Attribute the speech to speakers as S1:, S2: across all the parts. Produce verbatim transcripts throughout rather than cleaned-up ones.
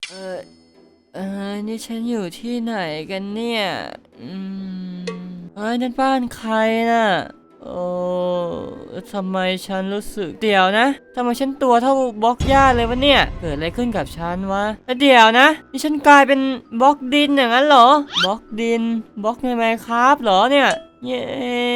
S1: เออเออนี่ฉันอยู่ที่ไหนกันเนี่ยอืมเฮ้ยนั่นบ้านใครน่ะโอ้ทำไมฉันรู้สึกเดี๋ยวนะทำไมฉันตัวเท่าบล็อกหญ้าเลยวะเนี่ยเกิดอะไรขึ้นกับฉันวะแล้วเดี๋ยวนะนี่ฉันกลายเป็นบล็อกดินอย่างนั้นเหรอบล็อกดินบล็อกในไมน์คราฟเหรอเนี่ยเย้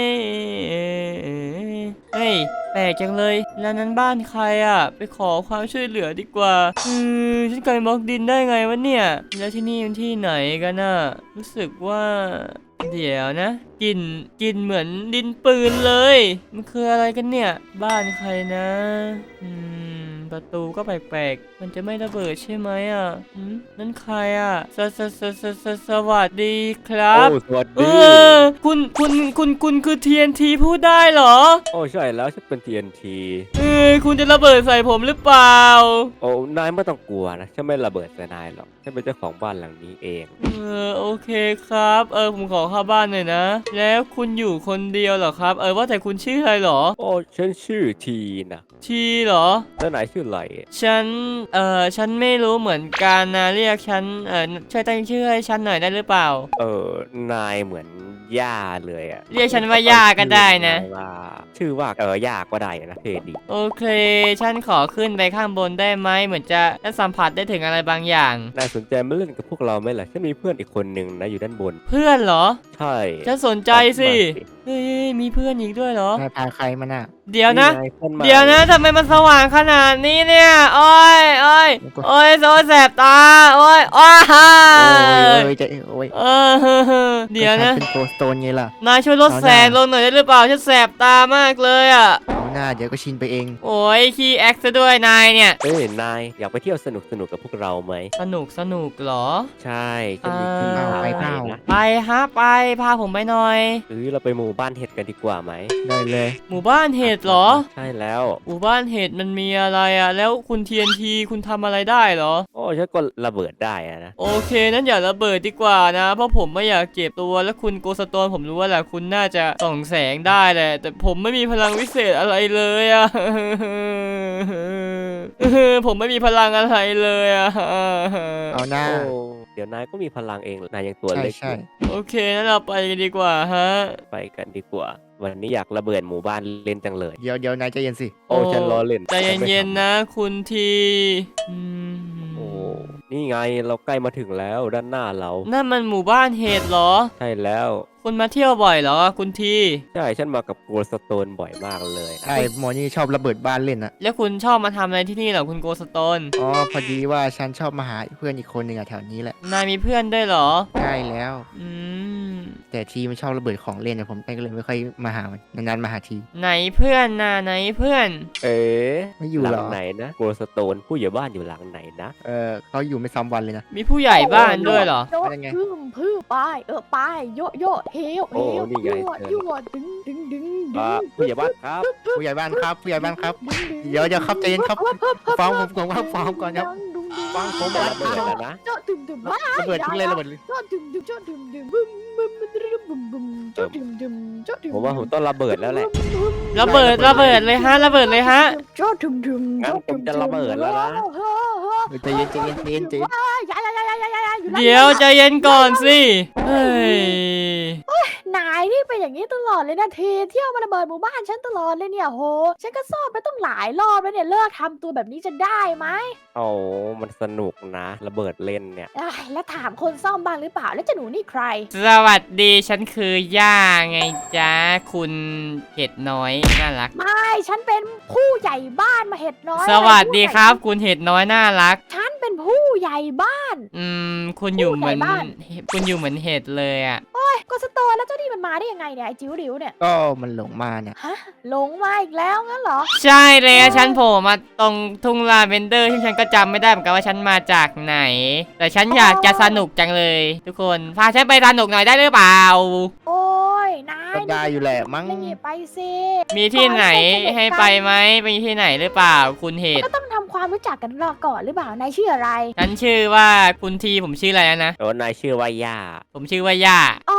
S1: เฮ้ยแปลกจังเลยแล้วนั้นบ้านใครอ่ะไปขอความช่วยเหลือดีกว่าอือฉันกลายเป็นบล็อกดินได้ไงวะเนี่ยแล้วที่นี่มันที่ไหนกันน่ะรู้สึกว่าเดี๋ยวนะกลิ่นกลิ่นเหมือนดินปืนเลยมันคืออะไรกันเนี่ยบ้านใครนะอืมประตูก็แปลกๆมันจะไม่ระเบิดใช่ไหมอ่ะอืมนั่นใครอ่ะสสสสสสวัสดีครับ
S2: โอ้สวัส
S1: เอ
S2: ดี
S1: อคุณคุณคุณคุณคือ ที เอ็น ที พูดได้เหรอ
S2: โอ้ใช่แล้วฉันเป็น ที เอ็น ที
S1: เออคุณจะระเบิดใส่ผมหรือเปล่า
S2: โอ้นายไม่ต้องกลัวนะฉันไม่ระเบิดใส่นายหรอกฉันเป็นเจ้าของบ้านหลังนี้เอง
S1: เออโอเคครับ เออผมขอเข้าบ้านหน่อยนะ แล้วคุณอยู่คนเดียวเหรอครับ เออว่าแต่คุณชื่ออะไรเหรอ
S2: โอ้ฉันชื่อทีนะ
S1: ทีเหรอ
S2: แล้วนายชื่ออะไร
S1: ฉัน เออฉันไม่รู้เหมือนกันนะเรียกฉัน เออช่วยตั้งชื่อให้ฉันหน่อยได้หรือเปล่า
S2: เออนายเหมือนย่าเลยอะ
S1: เรียกฉันว่าย่าก็ได้นะ
S2: ชื่อว่าชื่อว่าเออย่าก็ได้นะเท่ดี
S1: โอเค ฉันขอขึ้นไปข้างบนได้ไหมเหมือนจะได้สัมผัสได้ถึงอะไรบางอย่าง
S2: นายสนใจมาเล่นกับพวกเราไหมล่ะฉันมีเพื่อนอีกคนหนึ่งนะอยู่ด้านบน
S1: เพื่อนเหรอ
S2: ใช่
S1: ฉันสนใจสิเฮ้ยมีเพื่อนอีกด้วยเหรอ
S3: นายพาใครมาน่ะ
S1: เดี๋ยวนะ
S2: ไงพื่อใหม่
S1: เดี๋ยวนะทำไมมันสว่างขนาดนี้เนี่ย โอ้ยโอ้ยโอ้ยโซแสบตา โอ้ยอ้าฮ่า
S3: โอ้ยจะโอ้ย
S1: เออเดี๋ยวนะ
S3: ก็ฉัเป็นโกสโตนไงล่ะ
S1: นายช่วยลดแสงลงหน่อยได้หรือเปล่า ฉันแสบตามากเลยอ่ะ
S3: เอาหน้าเดี๋ยวก็ชินไปเอง
S1: โอ้ยขี้แอคซะด้วยนายเนี่ย
S2: เอ้ยนายอยากไปเที่ยวสนุกสนุกกับพวกเราไหม
S1: สนุกสนุกเหรอ
S2: ใช่ฉันมีที่
S1: อ่า
S2: พา
S3: ไป
S2: ไป
S3: เปล่า
S2: นะ
S1: ไปฮะไปพาผมไปหน่อย
S2: หรือเราไปหมู่บ้านเห็ดกันดีกว่าไหม
S3: ได้เลย
S1: หมู่บ้านเห็ดเหรอ
S2: ใช่แล้ว
S1: หมู่บ้านเห็ดมันมีอะไรอ่ะ แล้วคุณ ที เอ็น ที คุณทำอะไรได้เหรอ
S2: โอ้ฉันก็ระเบิดได้อะนะ
S1: โอเคนั้นอย่าระเบิดดีกว่านะ เพราะผมไม่อยากเจ็บตัวและคุณโกสโตนผมรู้ว่าแหละคุณน่าจะส่องแสงได้แหละแต่ผมไม่มีพลังวิเศษอะไรเลยอะ ผมไม่มีพลังอะไรเลยอะ
S3: เอาหน้า
S2: โอ้เดี๋ยวนายก็มีพลังเองนายยังตัว
S3: ใช่
S2: เล็กอ
S3: ใช่
S2: ยู่
S1: โอเคนั้นเราไปกันดีกว่าฮะ
S2: ไปกันดีกว่า วันนี้อยากระเบิดหมู่บ้านเล่นจังเลย
S3: เดี๋ยวเดี๋ยวนายใจเย็นสิ
S2: โอ้ฉันล้อเล่น
S1: ใจเย็นๆนะ คุณทีอืม
S2: โอ้นี่ไงเราใกล้มาถึงแล้วด้านหน้าเรา
S1: นั่นมันหมู่บ้านเห็ดเหรอ
S2: ใช่แล้ว
S1: คุณมาเที่ยวบ่อยเหรอคุณที
S2: ใช่ฉันมากับโกลสโตนบ่อยมากเลยนะ
S3: ใช่หมอนี่ชอบระเบิดบ้านเล่นอ่ะ
S1: แล้วคุณชอบมาทำอะไรที่นี่เหรอคุณโกสโตน
S3: อ๋อพอดีว่าฉันชอบมาหาเพื่อนอีกคนหนึ่งอะแถวนี้แหละ
S1: นายมีเพื่อนด้วยเหรอ
S3: ใช่แล้ว
S1: อืม
S3: แต่ทีมันชอบระเบิดของเล่นอะผมก็เลยไม่ค่อยมาหามันนานๆมาหาที
S1: ไหนเพื่อนน่ะไหนเพื่อน
S2: เอ๊ะ
S3: ไม่อยู่
S2: หลั
S3: เหรอ
S2: ไหนนะโกลสโตนผู้ใหญ่บ้านอยู่หลังไหนนะ
S3: เออเขาอยู่ไม่ซ้ำวันเลยนะ
S1: มีผู้ใหญ่บ้านด้วยเหรอ
S4: โย
S3: เป็นไง
S4: พึ่มพึ่มไปเออไปโยโยเฮว
S2: โอ้
S4: เฮว
S2: นี่ไง
S4: ยั่ว
S2: เชิญ
S4: ยั่วดึงดึงดึงดึ
S2: อ่าง ผู้ใหญ่บ้านครับ
S3: ผู้ใหญ่บ้านครับผู้ใหญ่บ้านครับ
S4: ดึงดึง
S3: เดี๋ยวเดี๋ยวครับใจเย็นครับ
S4: พิ่มเพิ่มเพิ่
S3: ฟังผมก่อนครับฟังผมก่อนครับ
S4: ดึงดึง
S3: ฟังผม
S2: จะ
S3: ก่อน
S2: ระเบิดแล้วนะ
S4: เจาะดึงดึงบ้า
S3: ระเบิดทิ้งเลยระเบิดเลย
S4: เจาะดึงดึงเจาะดึงดึงบึ้มบึ้มบึ้มบึ้มบึ้มเจาะดึงดึงเจาะดึง
S2: ผมว่าผมต้องระเบิดแล้วแหละ
S1: ระเบิดระเบิดเลยฮะระเบิดเลยฮะ
S4: เจาะดึงดึง
S2: งั้นผมจะระเบิดแล้วนะ
S4: เฮ้อเฮ้อ
S3: เออใจเย็นใจเย็นใจเย็นใจเย็น
S4: อย่าอย่าอย่าอย่าอย่าอย่าอยู่นั่น
S1: เดี๋ยวใจเย็นก่อนสิ เฮ้ย
S4: นายนี่เป็นอย่างนี้ตลอดเลยนะเทเที่ยวมาระเบิดหมู่บ้านฉันตลอดเลยเนี่ยโหฉันก็ซ่อมไปต้องหลายรอบแล้วเนี่ยเลิกทำตัวแบบนี้จะได้ไหม
S2: โอ้มันสนุกนะ ระเบิดเล่นเนี่ย
S4: เอ้ยแล้วถามคนซ่อมบ้างหรือเปล่าแล้วเจะหนูนี่ใคร
S1: สวัสดีฉันคือย่าไงจ๊ะคุณเห็ดน้อยน่ารัก
S4: ไม่ฉันเป็นผู้ใหญ่บ้านมาเห็ดน้อย
S1: สวัสดีครับ คุณเห็ดน้อยน่ารัก
S4: ฉันเป็นผู้ใหญ่บ้าน
S1: อืมคุณอยู่เหมือน
S4: ผู้ใหญ่บ้าน
S1: คุณอยู่เหมือนเห็ดเลยอ่ะ
S4: เฮ้ยก็สโตนแล้วเจ้านี่มันมาได้ยังไงเนี่ยไอ้จิ๋วหลิวเนี่ย
S3: ก็มันหลงมาเนี่ย
S4: ฮะหลงมาอีกแล้วงั้นเหรอ
S1: ใช่เลยอะฉันโผล่มาตรงทุ่งลาเวนเดอร์ที่ฉันก็จำไม่ได้เหมือนกันว่าฉันมาจากไหน แต่ฉันอยากจะสนุกจังเลย ทุกคนพาฉันไปสนุกหน่อยได้หรือเปล่า
S4: โอ้ยนาย
S3: ก็ได้อยู่แหละมั้ง
S4: นี่ไปสิ
S1: มีที่ไหนให้ไปไหมมีที่ไหนหรือเปล่า คุณเห็ด
S4: ก็ต้องทำความรู้จักกันรอก่อนหรือเปล่านายชื่ออะไร
S1: ฉันชื่อว่าคุณทีผมชื่ออะไรนะ
S2: โอ้นายชื่อว่าย่า
S1: ผมชื่อว่าย่า
S4: อ๋อ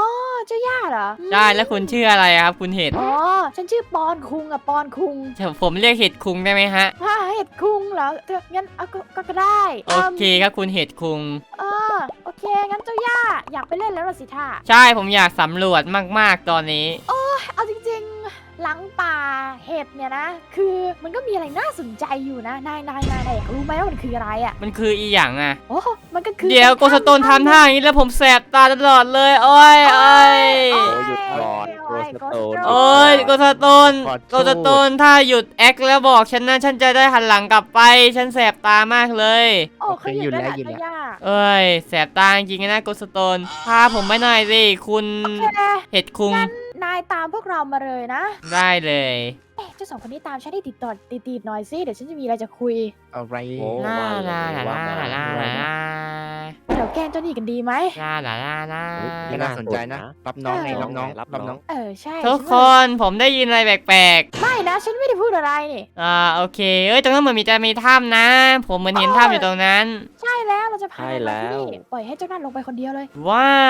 S4: เจ้าย่าเหรอ
S1: ใช่แล้วคุณชื่ออะไรครับคุณเห็ด
S4: อ๋อฉันชื่อปอนคุงอะปอนคุง
S1: ผมเรียกเห็ดคุงได้ไหมฮะ
S4: ฮ่าเห็ดคุงเหรอเธองั้นเอาก็ก็ก็ได้
S1: โอเคครับคุณเห็ดคุง
S4: เออโอเคงั้นเจ้าย่าอยากไปเล่นแล้วล่ะสิท่า
S1: ใช่ผมอยากสำรวจมากๆตอนนี้
S4: เอาจริงๆหลังป่าเห็ดเนี่ยนะ คือมันก็มีอะไรน่าสนใจอยู่นะนายนายนายนายอยากรู้ไหมว่ามันคืออะไรอะ
S1: มันคืออีหยังอ่ะ
S4: โอ้มันก็คือ
S1: เดี๋ยวโกสโตนทำท่าอย่างนี้แล้วผมแสบตาตลอดเลยโอ้ยโอ้ย
S4: โอ้
S2: โอ้หยุดก่อน
S4: โอ้ย
S2: โกสโตน
S1: โอ้ยโกสโตนโกสโตนถ้าหยุดแอคแล้วบอกฉันนะฉันจะได้หันหลังกลับไปฉันแสบตามากเลย
S4: โอ้เขาหยุดแล้วล่ะเจ้าย่า
S1: เอ้ยแสบตาจริงๆนะโกสโตนพาผมไปหน่อยสิคุณ
S4: โอเค
S1: เห็ดคุง
S4: นายตามพวกเรามาเลยนะ
S1: ได้เลย
S4: เอ๊ะเจ้าสองคนนี้ตามฉันให้ติดต่อติดๆหน่อยสิเดี๋ยวฉันจะมีอะไรจะคุย
S3: อะไร
S2: โอ้
S1: ลา
S2: ว่าเลย
S1: ลาลา
S2: ว่า
S1: ลา
S2: มา
S1: ลา
S2: ว่า
S1: ลา
S2: มา
S4: เดี๋ยวแกล้งเจ้านี่กันดีไหม
S1: ลาลาลาลา
S3: ไม่น่าสนใจนะ รับน้องไงรับน้อง
S2: รับ
S3: รับ
S2: น้
S3: น้
S2: อ
S3: อง ง
S4: เออใช่
S1: ทุกค
S4: ฉัว่าน
S1: ผมได้ยินอะไรแปลก
S4: ไม่นะฉันไม่ได้พูดอะไรนี่
S1: ๆอ่าโอเคเอ้ยตรงนั้นเหมือนมีจะมีถ้ำนะ ผมเหมือนเห็นถ้ำอยู่ตรงนั้น
S4: ใช่แล้วเราจะพา
S2: ใช่
S4: นาย
S2: แล้
S4: มาที่
S2: ว
S4: นี่ปล่อยให้เจ้านั่นลงไปคนเดียวเลย
S1: ว้าว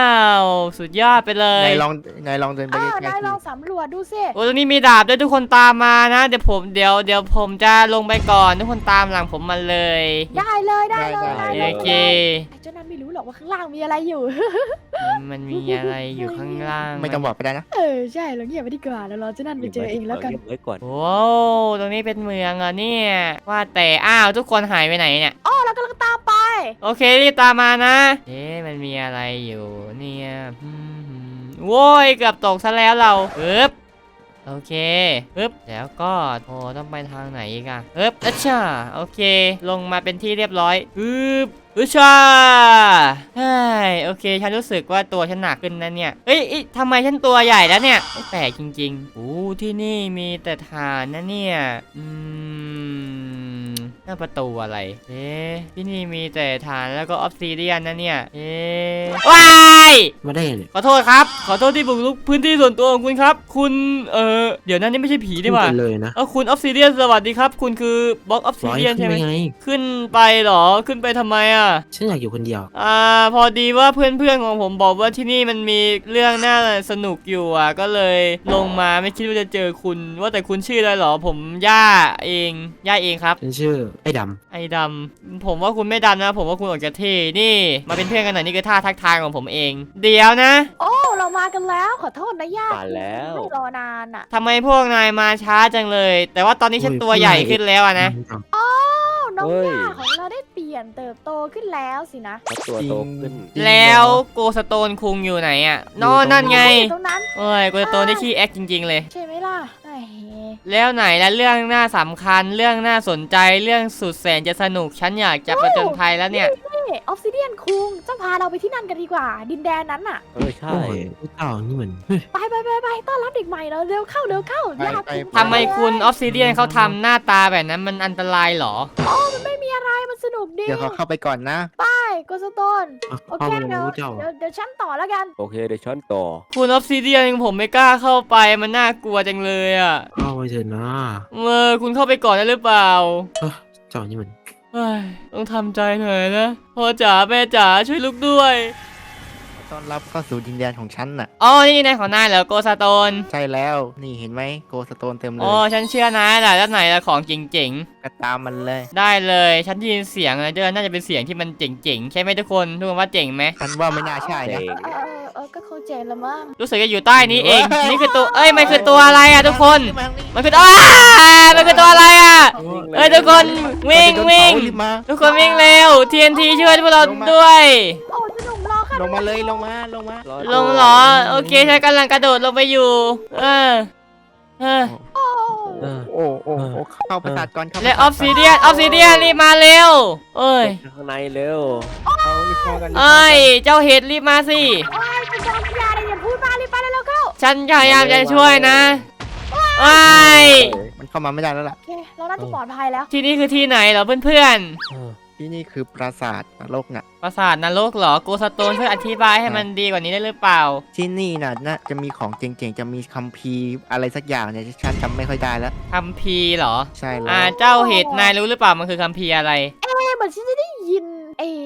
S1: สุดยอดไปเลย
S3: นายลองนายลองเดินไป
S4: อ้าว
S3: ใกล้
S4: นาย
S3: ๆ
S4: ล
S3: ที
S4: องสำรวจดูสิ
S1: โอ้ตรงนี้มีดาบด้วยทุกคนตามมานะ เดี๋ยวผมเดี๋ยวเดี๋ยวผมจะลงไปก่อนทุกคนตามหลังผมมาเลย
S4: ได้เลยได้เลย
S2: ได้
S4: ได้
S1: โอ
S4: เลย
S1: เค
S4: ไอ้เจ้านั่นไม่รู้หรอกว่าข้างล่างมีอะไรอยู่
S1: มันมีอะไรอยู่ข้างล่าง
S3: ไม่ต้องบอกก็ได้นะ
S4: เออใช่เราเงียบไปดีกว่าแล้วรอเจ้านั่นไปเจอเองแล้วกัน
S2: เก็บไว้ก่อน
S1: โอ้ตรงนี้เป็นเมืองเหรอ่ะเนี่ย ว่าแต่อ้าวทุกคนหายไปไหนเนี่ย
S4: อ๋อเรากำลังตามไป
S1: โอเครีบตามมานะ เอ๊ะมันมีอะไรอยู่เนี่ยอืมโว้ยเกือบตกซะแล้วเราปึ๊บโอเคปึ๊บแล้วก็โอ้ต้องไปทางไหนอีกอะปึ๊บอัชชาโอเค ลงมาเป็นที่เรียบร้อยปึ๊บอัชชาเฮ้ยโอเคฉันรู้สึกว่าตัวฉันหนักขึ้นนะเนี่ยเอ้ยเอ้ยทำไมฉันตัวใหญ่แล้วเนี่ยไม่แปลกจริงๆโอ้ที่นี่มีแต่ฐานนะเนี่ยอืมหน้าประตูอะไร เอ๊ะที่นี่มีแต่ฐานแล้วก็ออฟซิเดียนนะเนี่ย เอ๊ะว้าย
S5: มาได้ยังไง
S1: ขอโทษครับ ขอโทษที่บุกรุกพื้นที่ส่วนตัวของคุณครับ คุณ เออเดี๋ยวนั้นนี่ไม่ใช่ผีดีกว่า
S5: ขึ้นไปเลยนะ
S1: เออคุณออฟซิเดียนสวัสดีครับ คุณคือบล็อกออฟซิ
S5: ร้อย
S1: เดียน
S5: ขึ้
S1: ใช่
S5: น
S1: ไหม
S5: ไปไง
S1: ขึ้นไปเหรอ ขึ้นไปทำไมอ่ะ
S5: ฉันอยากอยู่คนเดียว
S1: อ่าพอดีว่าเพื่อนๆของผมบอกว่าที่นี่มันมีเรื่องน่าสนุกอยู่อ่ะก็เลยลงมาไม่คิดว่าจะเจอคุณ ว่าแต่คุณชื่ออะไรเหรอผมย่าเองย่าเองครับ
S5: ฉันชื่อไอ้ด
S1: ไอ้ดำผมว่าคุณไม่ดำนะ ผมว่าคุณออกจะเท่นี่ มาเป็นเพื่อนกันหน่อยนี่คือท่าทักทายของผมเอง เดี๋ยวนะ
S4: โอ้เรามากันแล้วขอโทษนะย่า
S2: มาแล้ว
S4: ไม่รอนานอ่ะ
S1: ทำไมพวกนายมาช้าจังเลย แต่ว่าตอนนี้ฉันตัวใหญ่ขึ้นแล้วอะ
S5: ำ
S1: นะ
S4: โอ้น้อง
S2: เฮ้ย
S4: ย่าของเราได้เปลี่ยนเติบโตขึ้นแล้วสินะ
S2: เพราะตัวโตขึ้น
S1: แล้วโกสโตนคุงอยู่ไหนอะนอนนั่นไง
S4: อยู่ตรงนั้น
S1: เอ้ยโกสโตนได้ขี้แอคจริง ๆ เลย
S4: ใช่ไหมล่ะไอ้
S1: แล้วไหนละเรื่องน่าสำคัญเรื่องน่าสนใจเรื่องสุดแสนจะสนุกฉันอยากจะประจนภัยแล้วเนี่ย
S4: นี่ออฟซิเดียนคุงเจ้าพาเราไปที่นั่นกันดีกว่า ดินแดนนั้นน่ะ
S2: เออใช่
S5: โอ้ยผู้เต่านี่เหมือนเฮ้ย
S4: ไปไปไปไปต้อนรับเด็กใหม่เราเร็วเข้าเร็วเข้าย่าคุง
S1: ทำไมคุณออฟซิเดียนเขาทำหน้าตาแบบนั้นมันอันตรายเหรอ
S4: มันไม่มีอะไรมันสนุกดี
S3: เดี๋ยวเขาเข้าไปก่อนนะ
S4: ไปโกสโตน
S5: เอา
S4: โอ
S5: เข้า
S4: เค
S5: ไป
S4: เดี๋ยว
S5: ผู้เจ้า
S4: เดี๋ยวเดี๋ยวฉันต่อแล้วกัน
S2: โอเคเดี๋ยวช้อนต่อ
S1: คุณออฟซิเดียนผมไม่กล้าเข้าไปมันน่ากลัวจังเลยอะ
S5: เข้าไปเถอะนะ
S1: เออคุณเข้าไปก่อนได้หรือเปล่า
S5: เอ้อเจ้านี่มัน
S1: เฮ้ยต้องทำใจหน่อยนะพ่อจ๋าแม่จ๋าช่วยลูกด้วย
S3: ต้อนรับเข้าสู่ดินแดนของฉันน่ะ
S1: อ๋อนี่นายของนายเหรอโกสโตน
S3: ใช่แล้ว นี่เห็นไหมโกสโตนเต็มเล
S1: อ๋อย ฉันเชื่อนายแหละแล้วไหนละของเจ๋ง
S3: ก็ตามมันเลย
S1: ๆได้เลยฉันได้ยินเสียงนะเจอน่าจะเป็นเสียงที่มันเจ๋งๆใช่ไหมทุกคนทุกคนว่าเจ๋งไหม
S3: ฉันว่าไม่น่าใช่นะ
S2: เจ๋ง
S4: เออเออเออก็เข้าใจละมั้ง
S1: รู้สึกจะอยู่ใต้นี้เองนี่คือตัวเอ้ยมันคือตัวอะไรอะทุกคน มันคืออ้ามันคือตัวอะไรอะเอ้ยทุกคนวิ่งวิ่ง
S3: รีบมา
S1: ทุกคนวิ่งเร็ว ที เอ็น ที ช่วยพวกเราด้วย
S4: โอ้สนุกรอค่ะ
S3: ลงมาเลยลงมาลงมา
S2: รอ
S1: ลงเหรอ โอเคฉันกำลังกระโดดลงไปอยู่ เออเออ
S4: โอ้
S2: เออ
S3: โอ้โอ้โอ้เข้าประสาทก่อนเข้า
S1: และออฟซิเดียนออฟซิเดียนรีบมาเร็วเอ้ย
S2: ข้างในเร็ว
S3: เอารีบเข้ากันรีบ
S1: เอ้
S3: เข้าย กัน
S1: เจ้าเห็ดรีบมาสิ
S4: ยคุณจอมพยาอะไรอย่าพูดมารีบไปแล้วเข้า
S1: ฉันพยายามจะช่วยนะเอ้ย
S3: มันเข้ามาไม่ได้แล้วล่ะ
S4: โอเคเราน่าจะปลอดภัยแล้ว
S1: ที่นี่คือที่ไหนเหรอเพื่อน
S2: เออ
S3: ที่นี่คือปราสาทนรกน่ะ
S1: ๆปราสาทนรกเหรอโกสโตนช่วยอธิบายให้มันดีกว่านี้ได้หรือเปล่า
S3: ที่นี่น่ะน่าจะมีของเจ๋งๆ จะมีคัมภีร์อะไรสักอย่างเนี่ยฉันจำไม่ค่อยได้แล้ว
S1: คัมภีร์เหรอ
S3: ใช่แล้
S1: อ่าว เจ้าเห็ดนายรู้หรือเปล่ามันคือคัมภีร์อะไร
S4: เอ๊ะเหมือนฉันจะได้ยินเอ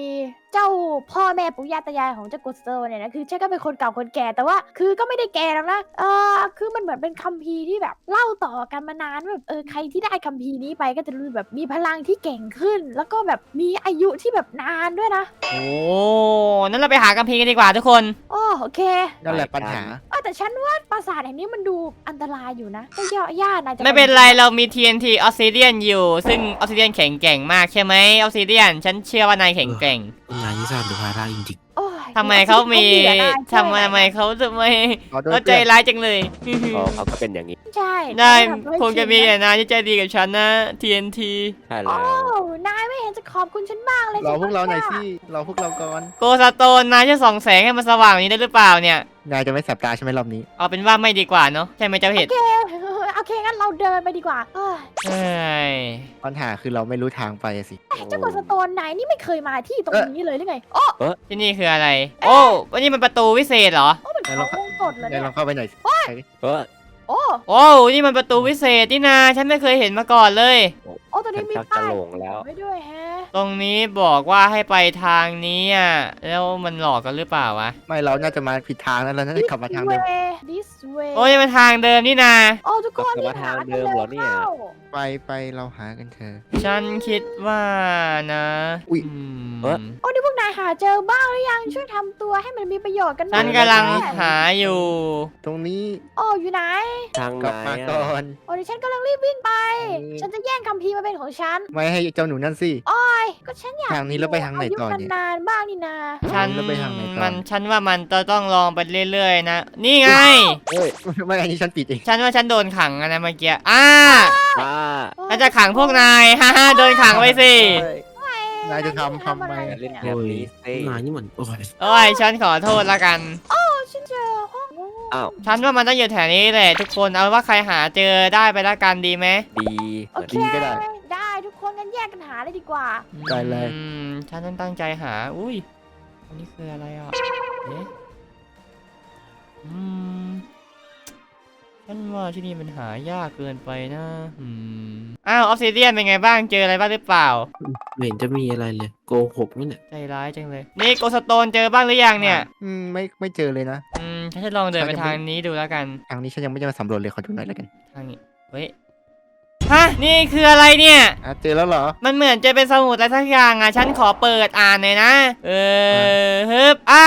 S4: เจ้าพ่อแม่ปู่ย่าตายายของเจ้ากุสโตเนี่ยนะคือฉันก็เป็นคนเก่าคนแก่แต่ว่า คือก็ไม่ได้แก่แล้วนะเออคือมันเหมือนเป็นคัมภีร์ที่แบบเล่าต่อกันมานานแบบเออใครที่ได้คัมภีร์นี้ไปก็จะรู้แบบมีพลังที่เก่งขึ้น แล้วก็แบบมีอายุที่แบบนานด้วยนะ
S1: โอ้นั้นเราไปหากัมพีร์กันดีกว่าทุกคน
S4: โอ้โอเค
S3: นั่นแหละปัญหา
S4: เออแต่ฉันว่าปราสาทแห่งนี้มันดูอันตรายอยู่นะก็ย่อย่านายจะ
S1: ไม่เป็นไรเรามี ที เอ็น ที ออ s ซิเดียนอยู่ ซึ่งออ s ซิเดียนแข็งแกร่งมากใช่ไหมออ s ซิเดียนฉันเชื่อว่านายแข็งแกร่ง
S5: นายที่สร้างดูภาระจริง
S4: โอ้ย
S1: ทำไมเขามี
S4: เดี๋ยวนายช่วย
S1: ทำไมทำไมเขาทำไม
S3: ขอโทษ
S1: เขาใจ
S3: เพื่อน
S1: ร้ายจังเลย
S2: อ๋อเขาก็เป็นอย่างนี้
S4: ใช่
S1: ได้
S4: ต้องทำให้
S1: คงจะมี
S4: ชิน
S1: แต่นายที่ใจดีกับฉันนะ ที เอ็น ที
S2: ใช่
S4: โอ้
S2: แล้ว
S4: นายไม่เห็นจะขอบคุณฉันบ้างเลย
S3: รอพวกเราหน่อย
S4: ฉั
S3: สิรอพวกเราก่อน
S1: โกสโตนนายจะส่องแสงให้มันสว่างอย่างนี้ได้หรือเปล่าเนี่ย
S3: นายจะไม่แสบตาใช่ไหมรอบนี้
S1: เอาเป็นว่าไม่ดีกว่าเนาะใช่ไหมเจ้าเห็ด
S4: โอเคโอเคงั้นเราเดินไปดีกว่าเอ้ย
S1: เอ้ย
S3: ปัญหาคือเราไม่รู้ทางไปอะสิ
S4: เจ้ากดสโตนนายนี่ไม่เคยมาที่ตรงนี้เลยหรือไงโอ้
S1: ที่นี่คืออะไร โอ้วันนี้มันประตูวิเศษเหรอ
S4: โอ้เหมือนเขาวงกดเลย
S3: นาย
S4: เนี่ย
S3: ลองเข้าไปหน่อยสิ
S2: เออ
S4: โอ้
S1: โอ้นี่มันประตูวิเศษนี่นาฉันไม่เคยเห็นมาก่อนเลย
S4: โอ้ตรงนี้มี
S2: ชักจะ
S4: ป้าย
S2: หลงแล้ว
S4: ไว้ด้วยแฮะ
S1: ตรงนี้บอกว่าให้ไปทางนี้อ่ะแล้วมันหลอกกันหรือเปล่าวะ
S3: ไม่เราน่าจะมาผิดทางแล้วเราน่าจะขับมาทางเดิม
S4: way this way
S1: โอ้ยมันทางเดิมนี่นา
S4: โอ้ทุกคน
S2: กลับมาทางเดิมเหรอเนี่ย
S3: ไปไปเราหากันเถอะ
S1: ฉันคิดว่านะ
S3: อุ๊ย
S1: ม
S2: เอ๊ะ
S4: โอ้นี่พวกนายหาเจอบ้างหรือยังช่วยทำตัวให้มันมีประโยชน์กันหน่อย
S1: ฉันกำลังหาอยู่
S3: ตรงนี้
S4: โอ้อยู่ไหน
S2: ทางไห
S3: ก
S2: น
S3: ลับมา
S2: อะ
S3: ก่อน
S4: โอ้ดิฉันกำลังรีบวิ่งไป
S3: อืม
S4: ฉันจะแย่งคัมภีร์มาเป็นของฉัน
S3: ไม่ให้เจ้าหนูนั่นสิ
S4: โอ้ยก็ฉันอยาก
S3: ทางนี้แล้วไปทางไหนต่อเนี่ย
S4: ายุนานๆบ้างนี่นา
S1: ฉัน
S3: แล้วไปทางไหนต่อ
S1: มันฉันว่ามันจะต้องลองไปเรื่อยๆนะ นี่ไง
S3: เอ้ยไม่อันนี้ฉันปิดเอง
S1: ฉันว่าฉันโดนขังอะนะเมื่อกี้อ่า
S2: อ่า
S1: ฉันจะขังพวกนาย ฮ่าฮ่าโดนขังไว้สิ
S3: เอ้ย นายจะทำทำไม
S4: อะ
S2: เล่น
S4: ไร
S2: แบ
S4: เนี่ย
S2: บ
S5: โอ้ย
S2: นี้สิ
S5: นายนี่เหมือนโอ้ย
S1: โอ้ยฉันขอโทษละกัน
S4: ฉันเจอห้อง
S2: อ้าว
S1: ฉันว่ามันต้องอยู่แถวนี้แหละทุกคนเอาว่าใครหาเจอได้ไปละกันดีไหม
S2: ดี
S4: โอ
S2: เหมือน
S4: เค
S3: ดีก็ได้
S4: ได้ทุกคนงั้นแยกกันหาเลยดีกว่า
S3: ได้เลย
S1: อืมฉันต้องตั้งใจหา อุ้ยอันนี้คืออะไรอ่ะเอ๊ะอืมฉันว่าที่นี่มันหายากเกินไปนะอืมอ้าวออฟซิเดียนเป็นไงบ้างเจออะไรบ้างหรือเปล่า
S5: ไม่เห็นจะมีอะไรเลยโกหกนี่เนี่ย
S1: ใจร้ายจังเลย นี่โกสโตนเจอบ้างหรือยังเนี่ย
S3: อืมไม่ไม่เจอเลยนะ
S1: อืมฉันจะลองเดินไป
S3: ฉันยัง
S1: ทาง
S3: ไม่
S1: นี้ดูแล้วกัน
S3: ทางนี้ฉันยังไม่ได้มาสำรวจเลยขอดูหน่อยแล้วกัน
S1: ทางนี้ เฮ้ย ฮะ นี่คืออะไรเนี่ย
S3: อ่ะเจอแล้วเหรอ
S1: มันเหมือนจะเป็นสมุดอะไรสักอย่างอ่ะ ฉันขอเปิดอ่านหน่อยนะ เออฮึบอ่า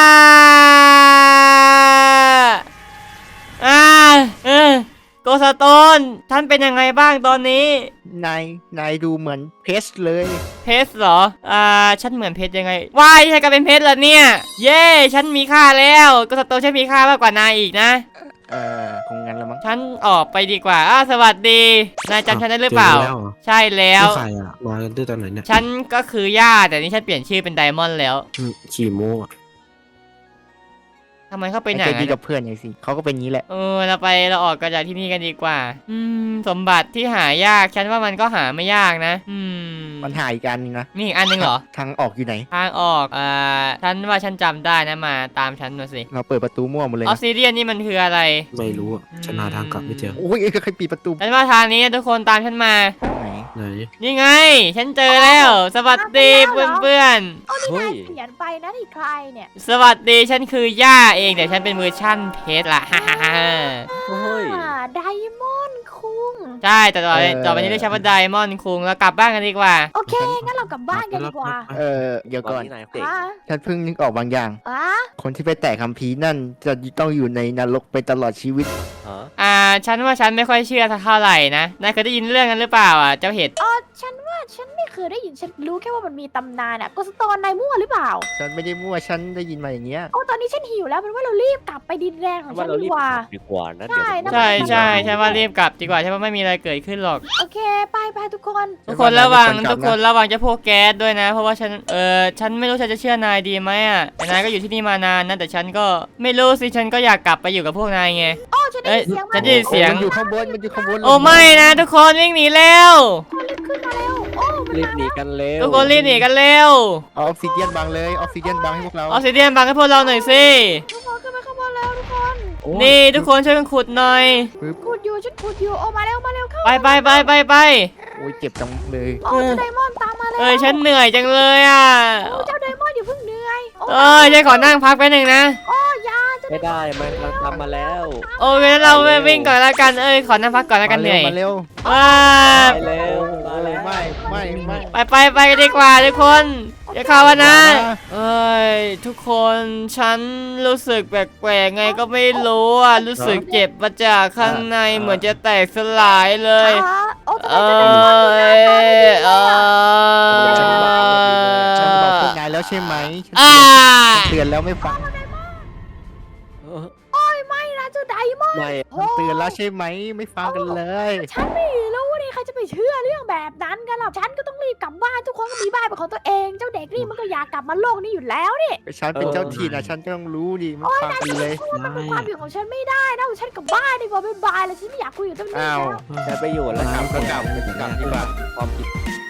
S1: อ่าเออโกสโตนท่านเป็นยังไงบ้างตอนนี้
S3: นายนายดูเหมือนเพชรเลย
S1: เพชรเหรอ อ่า ฉันเหมือนเพชรยังไงว้ายฉันก็เป็นเพชรแล้วเนี่ย เย้ ฉันมีค่าแล้วโกสโตนฉันมีค่ามากกว่านายอีกนะ
S3: เออคงงั้นละมั้ง
S1: ฉันออกไปดีกว่าอ้าสวัสดี นายจำฉันได้หรือเปล่า
S5: จแล้วหรอ
S1: ใช่แล้ว
S5: ใครอ่ะมากันด้วยตอนไหนเนี่ย
S1: ฉันก็คือย่าแต่นี่ฉันเปลี่ยนชื่อเป็นไดมอนด์แล้ว
S5: อืมขี่โม่อะ
S1: ทำไมเขาเป็นอ
S3: ไอ้
S1: ย่าง
S3: ใจดี
S1: นั้น
S3: กับเพื่อนไงสิเขาก็เป็นงี้แหละ
S1: เออเราไปเราออกกันจากที่นี่กันดีกว่า อืม สมบัติที่หายาก ฉันว่ามันก็หาไม่ยากนะ อืม
S3: ปัญหาอีกอันนึงนะ
S1: มีอีกอันหนึงเหรอ
S3: ทางออกอยู่ไหน
S1: ทางออก อ่า ฉันว่าฉันจำได้นะมาตามฉันมาสิ
S3: เราเปิดประตูมั่วหมดเลย
S1: ออ
S3: นะ
S1: สซิเดียนนี่มันคืออะไร
S5: ไม่รู้อ่ะฉันหาทางกลับไม่เจอ
S3: โอ้ยเอ้ยใครปิดประตู
S1: ฉันว่าทางนี้ทุกคนตามฉันมา
S3: ไหน
S5: ไหน
S1: นี่ไง ฉันเจอแล้ว สวัสดีเพื่อน
S4: โอ้นี่
S2: เฮ้
S4: นาย
S2: ย
S4: เขียนไปนะนี่ใครเนี่ย
S1: ๆ สวัสดี ฉันคือย่าเองแต่ฉันเป็นเวอร์ชั่นเพชรละฮ่าฮ่าฮ่า
S2: เฮ้ย
S4: ไดมอนด์คุง
S1: ใช่ แต่ต่อไปต่อไปนี้เรียกฉันว่าไดมอนด์คุงแล้วกลับบ้านกันดีกว่า
S4: โอเค งั้นเรากลับบ้านกันดีกว่า
S3: เออเดี๋ยว
S2: ตอ
S3: ก่อน
S2: นนี้นายเด็ก
S4: อ่ะ
S3: ฉันเพิ่งนึกออกบางอย่าง
S4: อ่ะ
S3: คนที่ไปแตะคัมภีร์นั่นจะต้องอยู่ในนรกไปตลอดชีวิต
S2: ฮะ
S1: อ่า ฉันว่าฉันไม่ค่อยเชื่อสักเท่าไหร่นะ นายเคยได้ยินเรื่องนั้นหรือเปล่าอ่ะ เจ้าเห็ด
S4: อ๋อฉันว่าฉันไม่เคยได้ยิน ฉันรู้แค่ว่ามันมีตำนานอะโกสโตนนายมั่วหรือเปล่า
S3: ฉันไม่ได้มั่วฉันได้ยินมาอย่างเงี้ย
S4: โอ้ตอนนี้ฉันหิวแล้วเป็นว่าเรารีบกลับไปดินแดนของ
S2: ว่า
S4: ฉัน
S2: เรา
S4: ดี
S2: รีบ
S4: กว่า
S2: กลับดีกว่านะ
S4: ใช่
S2: เดี๋ยว
S4: นะ
S1: ใช่ใช่ฉันว่ารีบกลับดีกว่าฉันว่าไม่มีอะไรเกิดขึ้นหรอก
S4: โอเคไปไปทุกคน
S1: ทุกคนระวัง
S3: ฉันว่า
S1: ทุกคนระวังเจะพวกแก๊สด้วยนะ เพราะว่าฉัน เออฉันไม่รู้ฉันจะเชื่อนายดีไหมอ่ะ แต่นายก็อยู่ที่นี่มานานนะ แต่ฉันก็ไม่รู้สิ ฉันก็อยากกลับไปอยู่กับพวกนายไง
S4: โอ้ฉันได้ยินเสียง
S1: ฉั
S4: มัน
S1: นได้ยินเสียง
S3: มันอยู่ข้างบนมันอยู่ข้างบน
S1: โอ้ไม่นะทุกคนวิ่งหนีเร็ว
S4: รีบขึ้นมาเร็วโอ้มัน
S2: รีบ
S4: มา
S2: หนีกันเร็ว
S1: ทุกคนรีบหนีกันเร็ว
S3: เอาออกซิเดียนบังเลยออกซิเดียนบังให้พวกเรา
S1: ออกซิเดียนบังให้พวกเราหน่อยสิ
S4: ทุกคนขึ้นไปข้างบนแล้วทุกคน
S2: โ
S1: นี่ทุกคนช่วยกันขุดหน่อย
S4: ขุดอยู่ฉันขุดอยู่โอ้มาเร็วมาเร็วเข้า
S1: ไปไปไปไปไป
S3: โอ้ยเจ็บจังเลย
S4: โอ้เจ้าไดมอนด์ตามมาแล้ว
S1: เอ้ยฉันเหนื่อยจังเลยอ่ะ
S4: โอ้เจ้าไดมอนด์อย่าเพิ่งเหนื่อยโอ้
S1: เอ้ยฉันขอนั่งพักแป๊บหนึงนะ
S4: โอ้ยาเจ้า
S2: ไม่ได้มันเราทำมาแล้ว
S1: โอเคงั้นเราไปวิ่งก่อนแล้วกันเอ้ยขอนั่งพักก่อนแล้วกันเหนื่อย
S3: มาเร็ว
S1: ว้า
S2: ไปเร็วมา
S3: มา
S2: แล้
S3: เร็ว
S2: ว
S3: ไม่ไม่ไม่
S1: ไปไปไปกันดีกว่าทุกคนอย่าเข้ามานะเอ้ยทุกคนฉันรู้สึกแปลกๆไงก็ไม่รู้อ่ะรู้สึกเจ็บมาจากข้างในเหมือนจะแตกสลายเลย
S4: อ่าโอ้ทำ
S1: เอ
S4: ไมเจ้าไดมอนด์ดูหน้าตาไม่ดีเลยอะ
S1: อเออ
S3: ฉันบอกพวกนายแล้วใช่ไหมฉัน
S1: อ่า
S3: เตือนแล้วไม่ฟัง
S2: เออ
S4: ไม่นะเจ้าไดมอนด์
S2: ไม่
S4: โอ้
S3: เตือนแล้วใช่ไหมไม่ฟังกันเลย
S4: ฉันไม่รู้นี่ใครจะไปเชื่อเรื่องแบบนั้นกันหรอกฉันก็ต้องรีบกลับบ้านทุกคนก็มีบ้านเป็นของตัวเองเจ้าเด็กนี่มันก็อยากกลับมาโลกนี้อยู่แล้วนี่
S3: ฉันเป็นเจ้าถิ่นนะฉันก็ต้องรู้ดิไม่ฟังกันเลย
S4: มันเป็นความผิดของฉันไม่ได้นะฉันกลับบ้านดีกว่าบ๊ายบายแล้วฉันไม่อยากคุยกับเจ้าหนี้
S3: อ้าว
S4: แล้ว
S2: จะไปอยู่แล้ว
S3: กลับก็กลับ
S2: ก
S3: กลับดีกว่า
S2: ความผิด